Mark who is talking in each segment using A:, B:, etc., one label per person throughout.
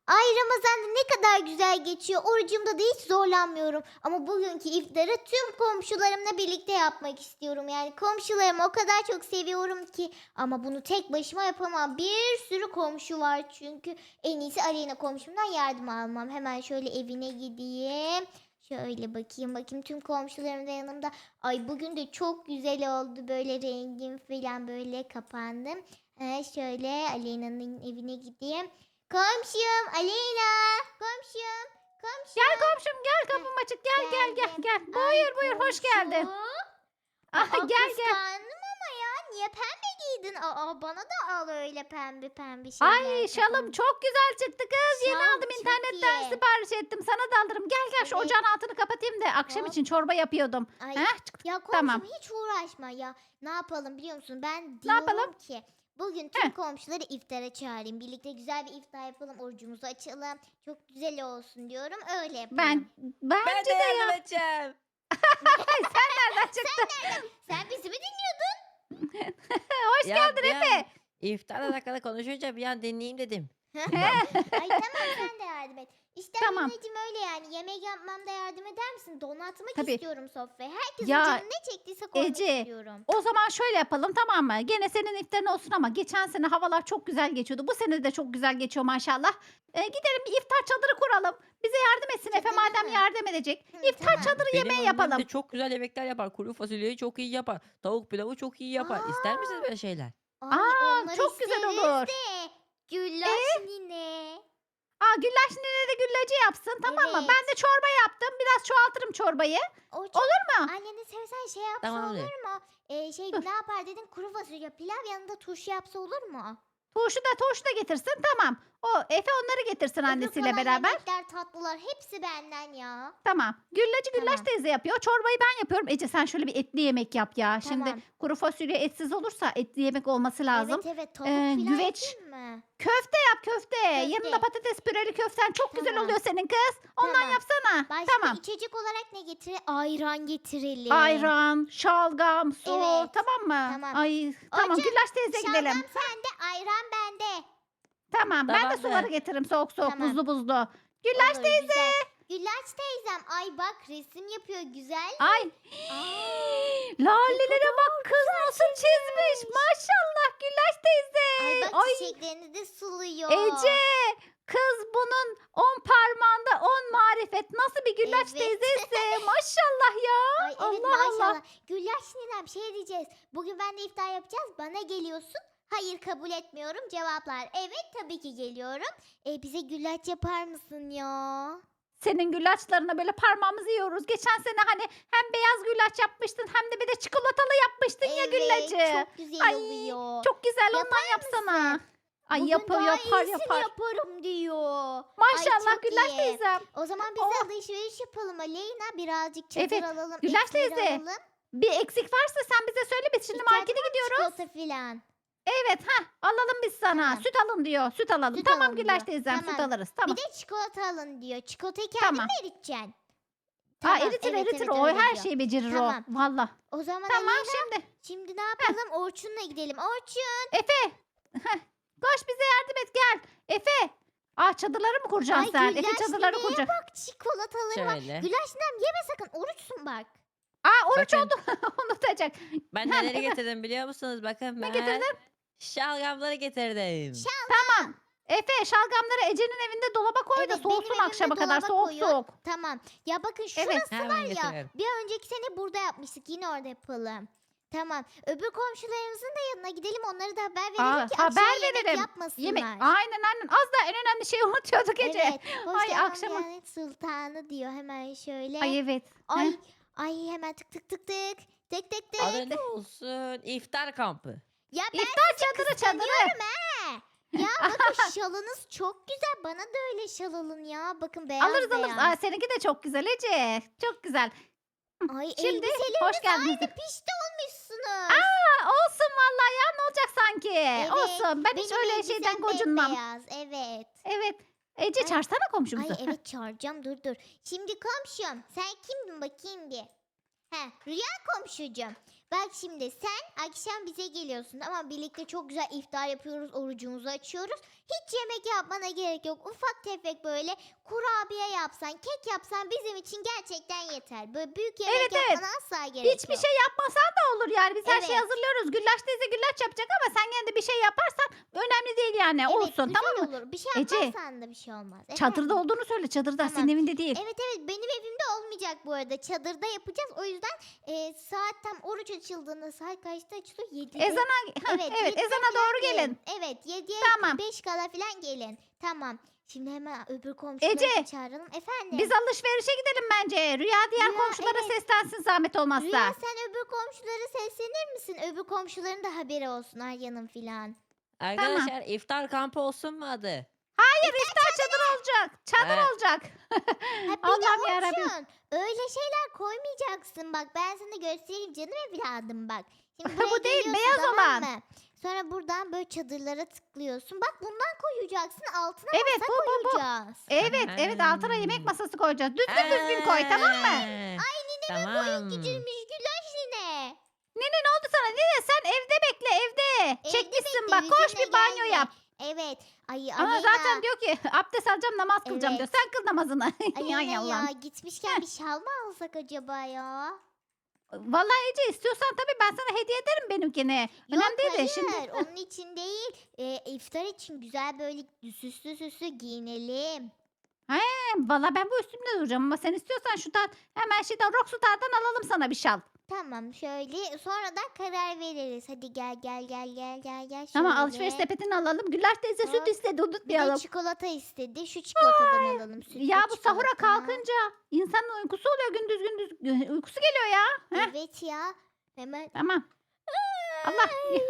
A: Ay Ramazan'da ne kadar güzel geçiyor. Orucumda da hiç zorlanmıyorum. Ama bugünkü iftarı tüm komşularımla birlikte yapmak istiyorum. Yani komşularımı o kadar çok seviyorum ki. Ama bunu tek başıma yapamam. Bir sürü komşu var çünkü. En iyisi Aleyna komşumdan yardım almam. Hemen şöyle evine gideyim. Şöyle bakayım tüm komşularım da yanımda. Ay bugün de çok güzel oldu. Böyle rengim falan böyle kapandım. Şöyle Aleyna'nın evine gideyim. Komşum Aleyna. Komşum.
B: Gel
A: Komşum.
B: komşum gel,
A: Heh,
B: kapım açık, gel.
A: geldim.
B: Gel.
A: Ay
B: Buyur hoş geldin.
A: komşum.
B: Aha, gel.
A: Kıskandım ama ya. Niye pembe giydin? Bana da al öyle pembe pembe
B: Ay
A: şeyler
B: şalım
A: kafana.
B: çok güzel çıktı kız. Yeni
A: Şal
B: aldım,
A: çok
B: internetten
A: iyi.
B: sipariş ettim. Sana da alırım. Gel şu
A: Evet.
B: ocağın altını kapatayım da akşam
A: Hop.
B: için çorba yapıyordum.
A: Ay
B: Heh,
A: ya komşum
B: tamam.
A: hiç uğraşma ya. Ne yapalım biliyor musun? Ben
B: Ne yapalım?
A: diyorum ki bugün
B: Heh,
A: tüm komşuları iftara çağırayım. Birlikte güzel bir iftar yapalım. Orucumuzu açalım. Çok güzel olsun diyorum. Öyle yapalım.
C: Ben
B: bence
C: de
B: de
C: yardım
B: ya.
C: edeceğim.
B: Sen nereden çıktın?
A: Sen bizi mi dinliyordun?
B: Hoş
C: Ya
B: geldin
C: bir an
B: Efe.
C: iftarla alakalı konuşunca bir an dinleyeyim dedim.
A: Ay tamam sen de yardım et. İşte
B: Tamam.
A: anneciğim öyle yani. Yemek yapmamda yardım eder misin? Donatmak
B: Tabii.
A: istiyorum sofrayı. Herkesin
B: Ya
A: canı ne çektiyse koymak
B: Ece,
A: istiyorum.
B: o zaman şöyle yapalım, tamam mı? Gene senin iftarın olsun ama geçen sene havalar çok güzel geçiyordu. Bu sene de çok güzel geçiyor maşallah. Gidelim bir iftar çadırı kuralım. Bize yardım etsin Efe,
A: Çadırı
B: madem
A: mı?
B: yardım edecek.
A: Hı,
B: İftar
A: tamam.
B: çadırı
C: Benim
B: yemeği
C: annem
B: yapalım.
C: de çok güzel yemekler yapar. Kuru fasulyeyi çok iyi yapar. Tavuk pilavı çok iyi yapar. İster misiniz
A: Aa,
C: böyle şeyler?
A: ay onları
B: Çok güzel
A: isteriz
B: olur.
A: de. Güllaç nine.
B: Güllaç nene de güllacı yapsın, tamam mı?
A: Evet.
B: Ben de çorba yaptım. Biraz çoğaltırım çorbayı.
A: O çok
B: Olur mu?
A: anneni sevsen şey yapsa
C: Tamamdır.
A: olur mu? Ne yapar dedin? Kuru fasulye pilav yanında turşu yapsa olur mu?
B: Turşu da getirsin, tamam. O Efe onları getirsin
A: Öbür
B: annesiyle
A: kalan
B: beraber.
A: yemekler tatlılar hepsi benden ya.
B: Tamam. Güllaç
A: Tamam.
B: teyze yapıyor. Çorbayı ben yapıyorum. Ece sen şöyle bir etli yemek yap ya. Şimdi
A: Tamam.
B: kuru fasulye etsiz olursa etli yemek olması lazım.
A: Evet tavuk
B: Ee,
A: filan
B: güveç.
A: yapayım mı?
B: Köfte yap köfte. Yanında patates püreli köften çok güzel
A: Tamam.
B: oluyor senin kız. Ondan
A: Tamam.
B: yapsana.
A: Başka
B: Tamam.
A: içecek olarak ne getirelim? Ayran getirelim.
B: Ayran, şalgam, su,
A: Evet.
B: tamam mı?
A: Tamam.
B: Ay, tamam.
A: Orçun,
B: Güllaç teyze gidelim.
A: Şalgam sende, ayran bende.
B: Tamam. Ben de
C: Tamamdır.
B: suları getiririm soğuk
A: Tamam.
B: buzlu. Güllaç
A: Olur,
B: teyze.
A: güzel. Güllaç teyzem. Ay bak resim yapıyor güzel.
B: Ay.
A: Aa,
B: Lalelere bak kız nasıl çizmiş. Maşallah Güllaç teyze.
A: Ay bak
B: Ay,
A: çiçeklerini de suluyor.
B: Ece. Kız bunun 10 parmağında 10 marifet. Nasıl bir Güllaç
A: Evet.
B: teyzesi. Maşallah ya.
A: Ay evet
B: Allah
A: maşallah.
B: Allah.
A: Güllaç ninem şey diyeceğiz. Bugün ben de iftar yapacağız. Bana geliyorsun. Hayır kabul etmiyorum. Cevaplar evet tabii ki geliyorum. Bize güllaç yapar mısın ya?
B: Senin güllaçlarına böyle parmağımızı yiyoruz. Geçen sene hani hem beyaz güllaç yapmıştın hem de bir de çikolatalı yapmıştın ya
A: Evet
B: güllacı.
A: çok güzel
B: Ay,
A: oluyor.
B: Çok güzel
A: Yapar
B: ondan yapsana.
A: mısın?
B: Ay
A: Bugün
B: yapar
A: daha
B: yapar
A: iyisini
B: yapar.
A: yaparım diyor.
B: Maşallah
A: çok
B: Güllaç
A: iyi.
B: teyzem.
A: O zaman biz
B: Oh.
A: de alışveriş yapalım Aleyna. Birazcık çadır
B: Evet,
A: alalım.
B: Güllaç
A: etleri
B: teyze,
A: alalım.
B: Bir eksik varsa sen bize söyle, biz şimdi
A: İhtiyacın
B: markete
A: var mı
B: gidiyoruz.
A: çikolata filan?
B: Evet alalım biz sana.
A: Tamam.
B: Süt alın diyor. Süt alalım.
A: Süt
B: Tamam
A: alın
B: Güllaç
A: diyor.
B: teyzem süt
A: Tamam.
B: alırız. Tamam.
A: Bir de çikolata alın diyor. Çikolatayı kendin
B: Tamam.
A: mi eriteceksin?
B: Eritir
A: evet,
B: eritir
A: evet,
B: o
A: öyle
B: her
A: diyor.
B: şeyi becerir
A: Tamam.
B: o. Valla.
A: O zaman
B: Tamam
A: Aleyna
B: şimdi.
A: ne yapalım? Orçun'la gidelim. Orçun.
B: Efe. Heh, koş bize yardım et gel. Efe. Çadırları mı kuracaksın
A: Ay
B: sen?
A: Güllaç
B: Efe çadırları
A: nineye
B: kuracak.
A: bak çikolataları var.
C: Şöyle.
A: Güllaç ninem yeme sakın. Oruçsun bak.
B: Oruç
C: Bakın.
B: oldu. Unutacak.
C: Ben
B: Ha,
C: neleri
B: Efe.
C: getirdim biliyor musunuz? Bakın
B: Ne
C: ben
B: getirdin?
C: şalgamları getirdim.
B: Tamam. Efe şalgamları Ece'nin evinde dolaba koy da
A: Evet,
B: soğusun
A: benim
B: akşama
A: evimde
B: kadar.
A: dolaba
B: Soğuk
A: koyun.
B: soğuk.
A: Tamam. Ya bakın şurası
B: Evet.
C: Hemen
A: var ya.
C: getiriyorum.
A: Bir önceki sene burada yapmıştık. Yine orada yapalım. Tamam. Öbür komşularımızın da yanına gidelim. Onlara da haber verelim ki
B: haber
A: akşama yemek
B: verelim.
A: yapmasınlar.
B: Yemek. Aynen. Az da en önemli şeyi unutuyorduk Ece.
A: Evet. Hoş
B: Ay,
A: geldin
B: akşama-
A: Diyanet Sultanı diyor hemen şöyle.
B: Ay evet.
A: Ay,
B: Heh.
A: ay hemen tık tık tık tık. Tık tık tık.
C: Adı ne olsun? İftar kampı.
A: Ya ben
B: İftar çadırı.
A: kıskanıyorum he. Ya bakın şalınız çok güzel. Bana da öyle şal alın ya. Bakın beyaz
B: Alırız.
A: beyaz.
B: Seninki de çok güzel Ece. Çok güzel.
A: Ay
B: Şimdi
A: elbiseleriniz
B: hoş geldiniz.
A: aynı pişti olmuşsunuz.
B: Olsun vallahi ya, ne olacak sanki?
A: Evet,
B: Olsun. Ben hiç
A: Benim
B: öyle
A: elbisem
B: şeyden gocunmam.
A: bembeyaz, evet.
B: Evet. Ece
A: Ay.
B: çağırsana komşumuzu.
A: Ay evet çağıracağım dur. Şimdi komşum sen kimdin bakayım bir. Rüya komşucuğum. Bak şimdi sen akşam bize geliyorsun ama birlikte çok güzel iftar yapıyoruz, orucumuzu açıyoruz. Hiç yemek yapmana gerek yok. Ufak tefek böyle kurabiye yapsan, kek yapsan bizim için gerçekten yeter. Böyle büyük yemek
B: Evet, evet.
A: yapmana asla gerek
B: Hiçbir
A: yok.
B: şey yapmasan da olur yani. Biz her şeyi
A: Evet.
B: hazırlıyoruz. Güllaç teyze güllaç yapacak ama sen gene de bir şey yaparsan önemli değil yani.
A: Evet,
B: Olsun,
A: güzel
B: tamam mı?
A: olur. Bir şey
B: Ece,
A: yapmazsan da bir şey olmaz.
B: çadırda
A: Efendim?
B: olduğunu söyle. Çadırda,
A: Tamam.
B: senin evinde değil.
A: Evet benim evimde olmayacak bu arada. Çadırda yapacağız. O yüzden saat tam oruç açıldığında saat kaçta açılıyor? 7'de.
B: Ezana, evet,
A: Evet, 7'de
B: ezana
A: falan
B: doğru gelin.
A: Evet 7'ye
B: Tamam.
A: 5 kala falan gelin. Tamam. Şimdi hemen öbür komşuları
B: Ece,
A: çağıralım. Efendim?
B: Biz alışverişe gidelim bence. Rüya diğer
A: Rüya,
B: komşulara
A: evet.
B: seslensin zahmet olmazsa.
A: Rüya sen öbür komşulara seslenir misin? Öbür komşuların da haberi olsun Arya'nın filan.
C: Arkadaşlar iftar kampı olsun mu adı?
B: Hayır, iftar çadır olacak. Çadır
C: Evet.
B: olacak.
A: Ha bir
B: Allah'ım
A: de
B: yarabbim.
A: Orçun, öyle şeyler koymayacaksın bak ben sana göstereyim canım evladım bak. Şimdi
B: Bu
A: buraya
B: değil,
A: geliyorsun,
B: beyaz
A: tamam
B: olan.
A: mı? Sonra buradan böyle çadırlara tıklıyorsun. Bak bundan koyacaksın altına
B: Evet,
A: masa
B: bu.
A: koyacağız.
B: Evet, altına yemek masası koyacağız. Düzgün koy, tamam mı?
C: Ay tamam.
A: Küçülmüş güllaç yine.
B: Nene ne oldu sana? Nene sen evde bekle, evde.
A: Evde
B: Çekmişsin
A: bekle,
B: bak, koş
A: bizimle
B: bir banyo
A: gelme.
B: yap.
A: Evet. Ay
B: Ama
A: Aleyna.
B: zaten diyor ki abdest alacağım, namaz kılacağım diyor.
A: Evet.
B: Sen kıl namazını.
A: Aleyna
B: Ay Allah'ım.
A: ya gitmişken bir şal mı alsak acaba ya?
B: Vallahi Ece, istiyorsan tabii ben sana hediye ederim benimkini.
A: Yok
B: Önemli değil de
A: hayır
B: şimdi.
A: onun için değil. İftar için güzel böyle süslü giyinelim.
B: Vallahi ben bu üstümde duracağım ama sen istiyorsan şuradan hemen şeyden Rockstar'dan alalım sana bir şal.
A: Tamam şöyle sonradan karar veririz. Hadi gel.
B: Tamam,
A: Şöyle.
B: alışveriş sepetini alalım. Güllaç teyze süt
A: Hop.
B: istedi,
A: Bir de
B: unutmayalım.
A: çikolata istedi. Şu çikolatadan alalım. Sütlü
B: Ya bu sahura
A: çikolata.
B: kalkınca insanın uykusu oluyor, gündüz uykusu geliyor ya. Heh,
A: Evet ya. Hemen.
B: tamam. Allah.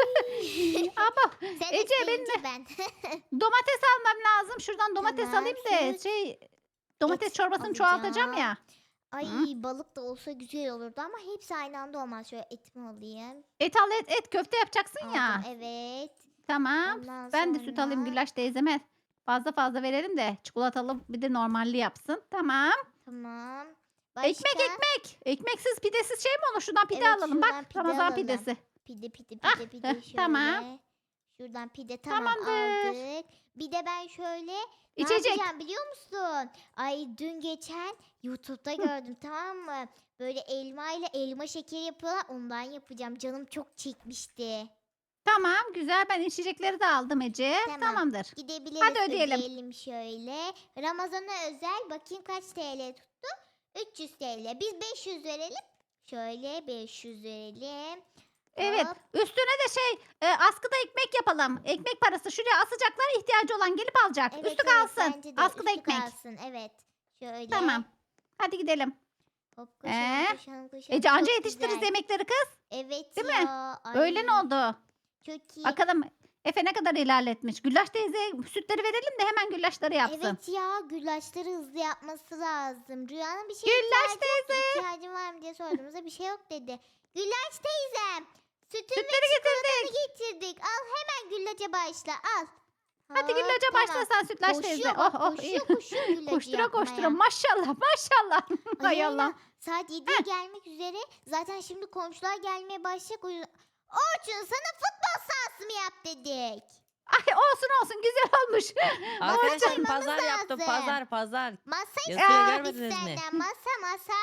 B: Ama
A: Sen
B: Ece,
A: isteyince
B: benim
A: ben.
B: domates almam lazım. Şuradan domates
A: Tamam,
B: alayım da
A: süt,
B: domates
A: et
B: çorbasını çoğaltacağım
A: alacağım.
B: ya.
A: Ay
B: Hı.
A: balık da olsa güzel olurdu ama hepsi aynı anda olmaz. Şöyle etimi alayım.
B: Et al, et köfte yapacaksın ya.
A: Aldım, evet.
B: Tamam.
A: Ondan
B: Ben de süt alayım
A: sonra-
B: Güllaç teyzeme. Fazla verelim de çikolatalı bir de normalli yapsın. Tamam.
A: Tamam.
B: Ekmek. Ekmeksiz pidesiz şey mi olur? Şuradan pide
A: Evet,
B: alalım.
A: şuradan
B: Bak,
A: pide
B: Ramazan
A: alalım.
B: pidesi.
A: Pide
B: Ah,
A: şöyle.
B: tamam.
A: Şuradan pide tamam
B: Tamamdır.
A: aldık. Bir de ben şöyle ne
B: İçecek.
A: yapacağım biliyor musun? Ay dün geçen YouTube'da gördüm tamam mı? Böyle elma ile elma şekeri yapıyorlar. Ondan yapacağım. Canım çok çekmişti.
B: Tamam, güzel. Ben içecekleri de aldım Ece.
A: Tamam.
B: Tamamdır.
A: Gidebiliriz.
B: Hadi ödeyelim.
A: Şöyle. Ramazan'a özel bakayım kaç TL tuttu? 300 TL. Biz 500 verelim. Şöyle 500 verelim.
B: Evet.
A: Hop.
B: Üstüne de askıda ekmek yapalım. Ekmek parası. Şuraya asacaklar, ihtiyacı olan gelip alacak.
A: Evet,
B: Üstü
A: evet,
B: kalsın.
A: bence de
B: Askıda
A: üstü
B: ekmek.
A: kalsın. Evet. Şöyle.
B: Tamam. Hadi gidelim.
A: Hop koşalım,
B: Ee?
A: koşalım.
B: Ece anca
A: Çok
B: yetiştiririz
A: güzel.
B: yemekleri kız.
A: Evet
B: Değil
A: ya.
B: mi?
A: Ay,
B: Öğlen oldu.
A: Çok iyi.
B: Bakalım Efe ne kadar ilerletmiş. Güllaç teyze sütleri verelim de hemen güllaçları yapsın.
A: Evet ya güllaçları hızlı yapması lazım. Rüyanın bir şey
B: Güllaç
A: ihtiyacın var mı diye sorduğumuzda bir şey yok dedi. Güllaç teyzem. Sütün ve
B: Sütleri getirdik.
A: getirdik. Al hemen güllaca başla al.
B: Hadi
A: Hop,
B: güllaca
A: tamam.
B: başla sen Sütlaç
A: Koşuyor
B: teyze.
A: bak,
B: iyi.
A: koşuyor güllacı
B: Koştura koştura
A: yapmaya.
B: maşallah. Hay
A: Aleyna,
B: Allah.
A: saat 7'ye gelmek üzere. Zaten şimdi komşular gelmeye başlayacak. O yüzden... Orçun sana futbol sahası mı yap dedik?
B: Ay olsun güzel olmuş.
C: Arkadaşlar
A: Orçun,
C: pazar yaptım.
A: lazım.
C: Pazar.
A: Masa
C: Yazıyor,
A: istedik
C: görmediniz mi?
A: senden. Masa.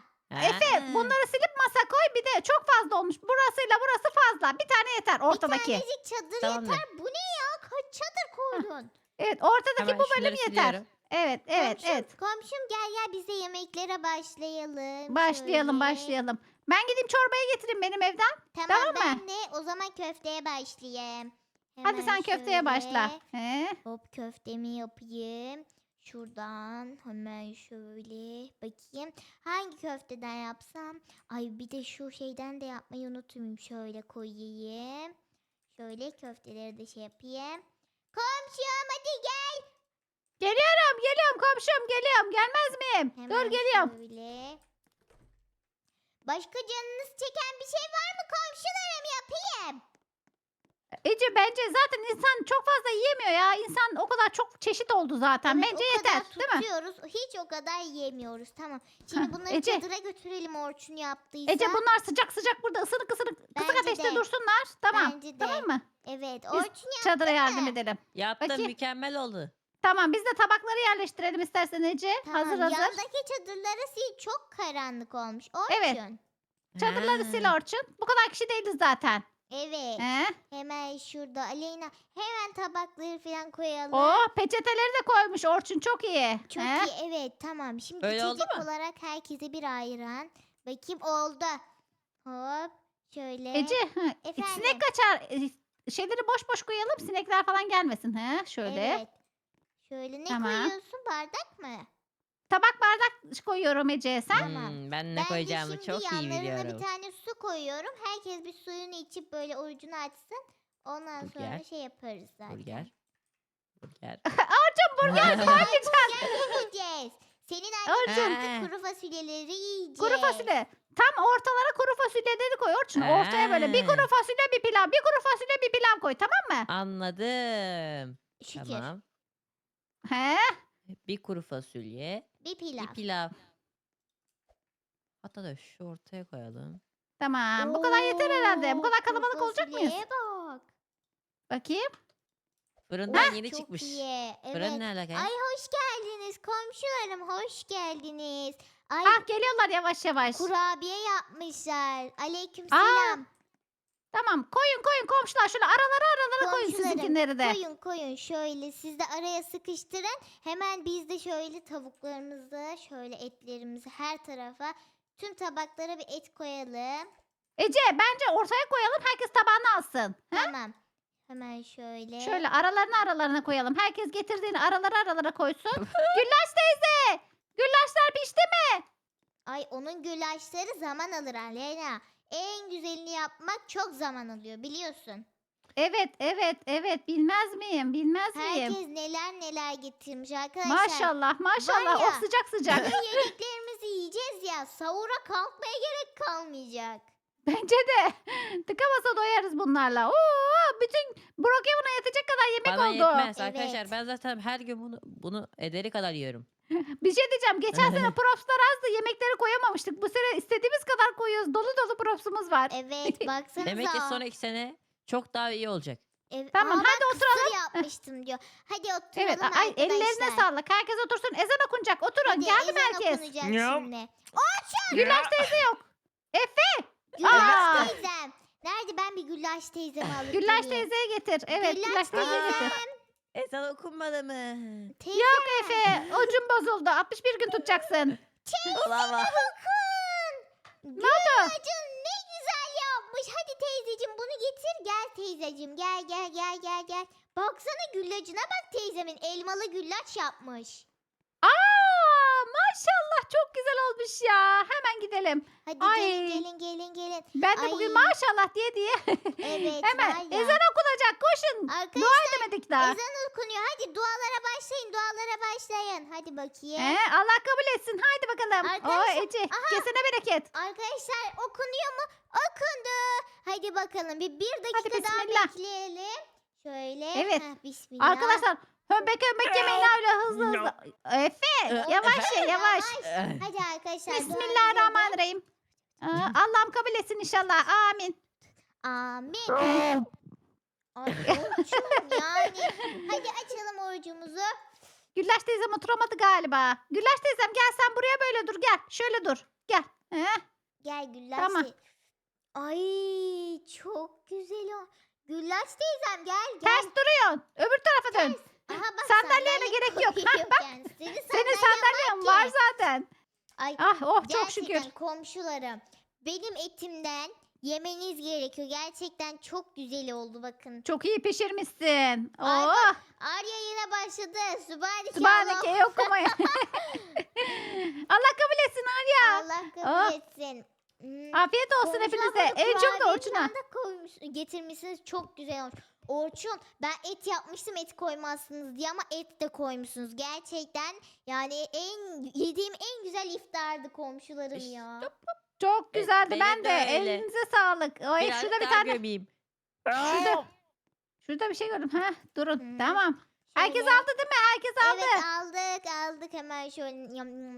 B: Efe bunları silip masa koy, bir de çok fazla olmuş. Burasıyla burası fazla. Bir tane yeter ortadaki.
A: Bir tanecik çadır
C: Tamamdır.
A: yeter. Bu ne ya? Kaç çadır koydun?
B: Evet, ortadaki
C: Hemen
B: bu bölüm
C: şunları
B: yeter.
C: siliyorum.
B: Evet.
A: Komşum gel biz de yemeklere başlayalım.
B: Başlayalım.
A: Şöyle.
B: Ben gideyim çorbayı getireyim benim evden.
A: Tamam
B: Tamam mı?
A: ben de o zaman köfteye başlayayım.
B: Hadi
A: Hemen
B: sen köfteye
A: şöyle.
B: başla. He?
A: Hop köftemi yapayım. Şuradan hemen şöyle bakayım. Hangi köfteden yapsam? Ay bir de şu şeyden de yapmayı unutmayayım. Şöyle koyayım. Şöyle köfteleri de şey yapayım. Komşum hadi gel.
B: Geliyorum komşum, geliyorum. Gelmez miyim?
A: Hemen
B: Dur geliyorum.
A: şöyle. Başka canınız çeken bir şey var mı komşularım yapayım?
B: Ece bence zaten insan çok fazla yiyemiyor ya. İnsan o kadar çok çeşit oldu zaten.
A: Evet,
B: Bence
A: o kadar
B: yeter, değil mi?
A: tutuyoruz. Hiç o kadar yiyemiyoruz. Tamam. Şimdi
B: Heh,
A: bunları
B: Ece.
A: çadıra götürelim Orçun yaptıysa.
B: Ece bunlar sıcak sıcak burada ısınık ısınık kısık
A: Bence
B: ateşte
A: de.
B: dursunlar. Tamam.
A: Bence de.
B: Tamam mı?
A: Evet.
B: Biz
A: Orçun
B: çadıra yardım
A: mı?
B: edelim.
C: Yaptım,
B: Bakayım.
C: mükemmel oldu.
B: Tamam biz de tabakları yerleştirelim istersen Ece.
A: Tamam.
B: Hazır hazır.
A: Yandaki çadırları sil. Çok karanlık olmuş. Orçun.
B: Evet. Çadırları sil
C: Ha.
B: Orçun. Bu kadar kişi değiliz zaten.
A: Evet.
B: He?
A: Hemen şurada Aleyna. Hemen tabakları falan koyalım.
B: Oh peçeteleri de koymuş Orçun çok iyi.
A: Çok
B: He?
A: iyi. Evet tamam. Şimdi
C: Öyle oldu
A: içecek
C: mu?
A: olarak herkese bir ayran. Bakayım oldu. Hop. Şöyle.
B: Ece
A: Efendim?
B: sinek kaçar. Şeyleri boş boş koyalım sinekler falan gelmesin. He? Şöyle.
A: Evet. Şöyle ne
B: Tamam.
A: koyuyorsun? Bardak mı?
B: Tabak bardak koyuyorum Ece sen.
A: Tamam.
C: Ben ne
A: Ben de
C: koyacağımı
A: şimdi
C: çok iyi
A: yanlarına
C: biliyorum.
A: bir tane su koyuyorum. Herkes bir suyunu içip böyle orucunu açsın. Ondan sonra
C: Burger.
A: şey yaparız zaten.
C: Burger. Burger.
B: Orçun burger koymayacaksın.
A: Yiyeceğiz. Senin annen
B: Orçun.
A: yaptı kuru fasulyeleri yiyeceğiz.
B: Kuru fasulye. Tam ortalara kuru fasulyeleri koy Orçun. Ortaya böyle bir kuru fasulye bir pilav. Bir kuru fasulye bir pilav koy tamam mı?
C: Anladım.
A: Şükür.
C: Tamam.
B: He?
C: Bir kuru fasulye,
A: Bir pilav.
C: bir pilav. Hatta da şu ortaya koyalım.
B: Tamam. Bu kadar yeter herhalde. Bu kadar
A: Oo, kuru
B: kalabalık olacak mıyız?
A: fasulyeye bak.
B: Bakayım.
C: Fırından yeni
A: Çok
C: çıkmış.
A: iyi. Evet.
C: Fırın ne alaka?
A: Ay hoş geldiniz komşularım hoş geldiniz. Ay
B: Ah geliyorlar yavaş yavaş.
A: kurabiye yapmışlar. Aleykümselam.
B: Tamam koyun koyun komşular şöyle aralara koyun
A: Komşularım,
B: sizinkileri de.
A: Koyun şöyle siz de araya sıkıştırın. Hemen biz de şöyle tavuklarımızı şöyle etlerimizi her tarafa tüm tabaklara bir et koyalım.
B: Ece bence ortaya koyalım herkes tabağını alsın. He?
A: Tamam. Hemen şöyle.
B: Şöyle aralarına koyalım. Herkes getirdiğini aralara koysun. Güllaç teyze. Güllaçlar pişti mi?
A: Ay onun güllaçları zaman alır Aleyna. En güzelini yapmak çok zaman alıyor biliyorsun.
B: Evet bilmez miyim bilmez miyim?
A: Herkes neler getirmiş arkadaşlar.
B: Maşallah
A: Var ya,
B: oh sıcak sıcak.
A: bu yediklerimizi yiyeceğiz ya sahura kalkmaya gerek kalmayacak.
B: Bence de tıka basa doyarız bunlarla. Oo, bütün Brookhaven'a yetecek kadar yemek
C: Bana
B: oldu.
C: yetmez
A: Evet.
C: arkadaşlar. Ben zaten her gün bunu ederi kadar yiyorum.
B: Bir şey diyeceğim. Geçen sene propslar azdı. Yemekleri koyamamıştık. Bu sene istediğimiz kadar koyuyoruz. Dolu dolu propsumuz var.
A: Evet baksanıza.
C: Demek ki sonraki sene çok daha iyi olacak.
B: Tamam,
A: Aa,
B: hadi
A: ben kısır
B: oturalım.
A: yapmıştım diyor. Hadi oturalım
B: Evet
A: arkadaşlar.
B: ellerine sağlık. Herkes otursun. Ezan okunacak. Oturun.
A: Hadi
B: Geldim
A: ezan
B: herkes.
A: okunacak
C: Yum.
A: şimdi.
B: Güllaç teyze yok. Efe.
A: Güllaç teyzem. Nerede ben bir Güllaç teyzemi alıp
B: Güllaç
A: geleyim.
B: teyzeye getir. Evet Güllaç teyzeye getir.
C: Ezan okunmadı mı?
A: Teyze
B: Yok Efe. Ucun bozuldu. 61 gün tutacaksın.
C: Olamaz.
A: bakın.
B: Ne oldu?
A: Güllacın ne güzel yapmış. Hadi teyzeciğim bunu getir. Gel teyzeciğim gel. Baksana güllacına bak teyzemin elmalı güllaç yapmış.
B: Maşallah çok güzel olmuş ya. Hemen gidelim.
A: Hadi
B: Ay.
A: gelin.
B: Ben de
A: Ay.
B: bugün maşallah diye.
A: Evet
B: Hemen
A: var ya.
B: ezan okunacak. Koşun. Dua
A: Arkadaşlar
B: edemedik daha.
A: ezan okunuyor. Hadi dualara başlayın. Hadi bakayım.
B: Allah kabul etsin. Haydi bakalım.
A: Arkadaşlar,
B: Ece kesene bereket.
A: Arkadaşlar okunuyor mu? Okundu. Hadi bakalım bir dakika
B: Hadi
A: daha
B: bismillah.
A: bekleyelim. Şöyle.
B: Evet.
A: Bismillah.
B: Arkadaşlar hömbek yemeyin öyle hızlı. Efe yavaş ye yavaş.
A: Hadi arkadaşlar.
B: Bismillahirrahmanirrahim. Allah'ım kabul etsin inşallah. Amin.
A: Amin. Ay Orçun yani. Hadi açalım orucumuzu.
B: Güllaç teyzem oturamadı galiba. Güllaç teyzem gel sen buraya böyle dur gel. Şöyle dur. Gel.
A: Gel Güllaç
B: Tamam.
A: Ay çok güzel o. Güllaç teyzem gel.
B: Ters duruyorsun. Öbür tarafa dön.
A: Aha bak
B: Sandalyene gerek yok.
A: koyuyor
B: Bak.
A: kendisi.
B: Senin sandalyen var zaten.
A: Ay
B: Oh çok
A: gerçekten
B: şükür.
A: komşularım. Benim etimden yemeniz gerekiyor. Gerçekten çok güzel oldu bakın.
B: Çok iyi pişirmişsin.
A: Ay,
B: Oh.
A: Arya yine başladı. Sübhaneke
B: Sübhaneke okumaya. Allah kabul etsin Arya.
A: Allah
B: Oh.
A: kabul etsin.
B: Afiyet olsun
A: Komşu
B: hepinize.
A: abla
B: En çok da
A: kurabiye
B: Orçun'a.
A: falan da getirmişsiniz. Çok güzel olmuş. Orçun ben et yapmıştım et koymazsınız diye ama et de koymuşsunuz. Gerçekten yani yediğim en güzel iftardı komşularım ya.
B: Çok güzeldi.
C: benim
B: Ben de.
C: de öyle.
B: Elinize sağlık. Ay,
C: Biraz
B: şurada bir
C: daha
B: tane.
C: gömeyim.
B: Şurada, Şurada bir şey gördüm. Heh, durun.
A: Hmm,
B: Tamam. Herkes
A: şöyle.
B: aldı değil mi? Herkes aldı.
A: Evet aldık hemen şöyle.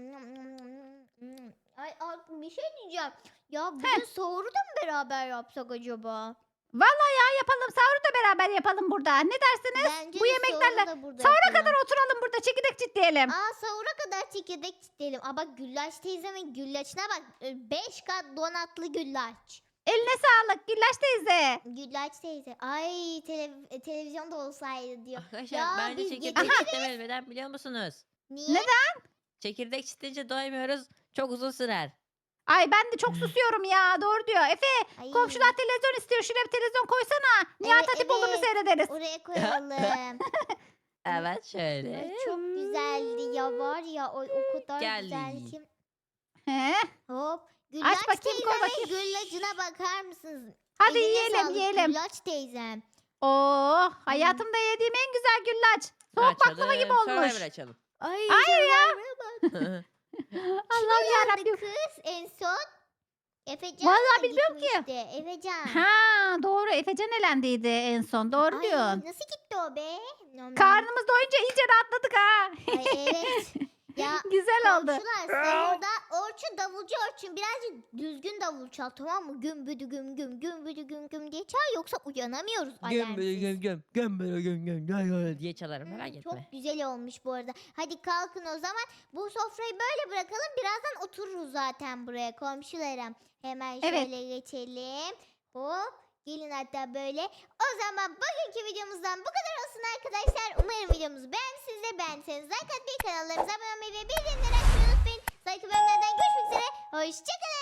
A: Ay, bir şey diyeceğim. Ya bugün sahuru da mı beraber yapsak acaba?
B: Vallahi ya yapalım. Sahuru da beraber yapalım burada. Ne dersiniz?
A: Bence
B: Bu
A: de
B: yemeklerle
A: sahuru da burada
B: sahura
A: yapalım.
B: kadar oturalım burada. Çekirdek çitleyelim.
A: Aa sahura kadar çekirdek çitleyelim. Aa bak Güllaç teyzemin güllaçına bak. 5 kat donatlı güllaç.
B: Eline sağlık Güllaç teyze.
A: Güllaç teyze. Ay televizyonda olsaydı diyor.
C: Arkadaşlar
A: Ya
C: bence
A: biz
C: çekirdek çitlemeli. Neden biliyor musunuz?
A: Niye?
B: Neden?
C: Çekirdek çitleyince doymuyoruz. Çok uzun sürer.
B: Ay ben de çok susuyorum ya. Doğru diyor. Efe
A: Ay,
B: komşular televizyon istiyor. Şuraya bir televizyon koysana. Nihat
A: Evet,
B: Hatipoğlu'nu
A: evet.
B: seyrederiz.
A: Oraya koyalım.
C: Evet şöyle.
A: Ay, çok güzeldi ya var ya o kadar
C: Geldi.
A: güzel ki.
B: He?
A: Hop. Güllaç
B: bakayım, koy
A: teyzemin
B: bakayım.
A: güllacına bakar mısınız?
B: Hadi
A: Eline
B: yiyelim
A: sağlık
B: yiyelim.
A: Güllaç teyzem.
B: Oo, hayatımda yediğim en güzel güllaç. Soğuk baklava gibi olmuş.
C: Survivor açalım.
A: Ay,
B: Hayır ya.
A: Survivor'a bak.
B: Allah'ım
A: Yandı
B: yarabbim.
A: kız en son. Efecan
B: Vallahi
A: mı
B: bilmiyorum ki.
A: gitmişti? Efecan.
B: Ha doğru Efecan elendiydi en son. Doğru
A: Ay,
B: diyorsun.
A: nasıl gitti o be? Nom.
B: Karnımız doyunca iyice rahatladık ha.
A: Ay evet. Ya
B: Güzel oldu.
A: komşular sahurda Orçun davulcu Orçun birazcık düzgün davul çal tamam mı? Gümbüdü güm güm gümbüdü güm güm diye çal yoksa uyanamıyoruz alarmsız.
C: Göm diye çalarım merak etme.
A: Çok güzel olmuş bu arada. Hadi kalkın o zaman. Bu sofrayı böyle bırakalım. Birazdan otururuz zaten buraya komşularım. Hemen
B: Evet.
A: şöyle geçelim. Hop. Gelin hatta böyle. O zaman bugünkü videomuzdan bu kadar olsun arkadaşlar. Umarım videomuzu beğenmişsiniz de beğendiyseniz like atmayı, kanallarımıza abone olmayı ve bildirimleri açmayı unutmayın. Sonraki bölümlerden görüşmek üzere. Hoşçakalın.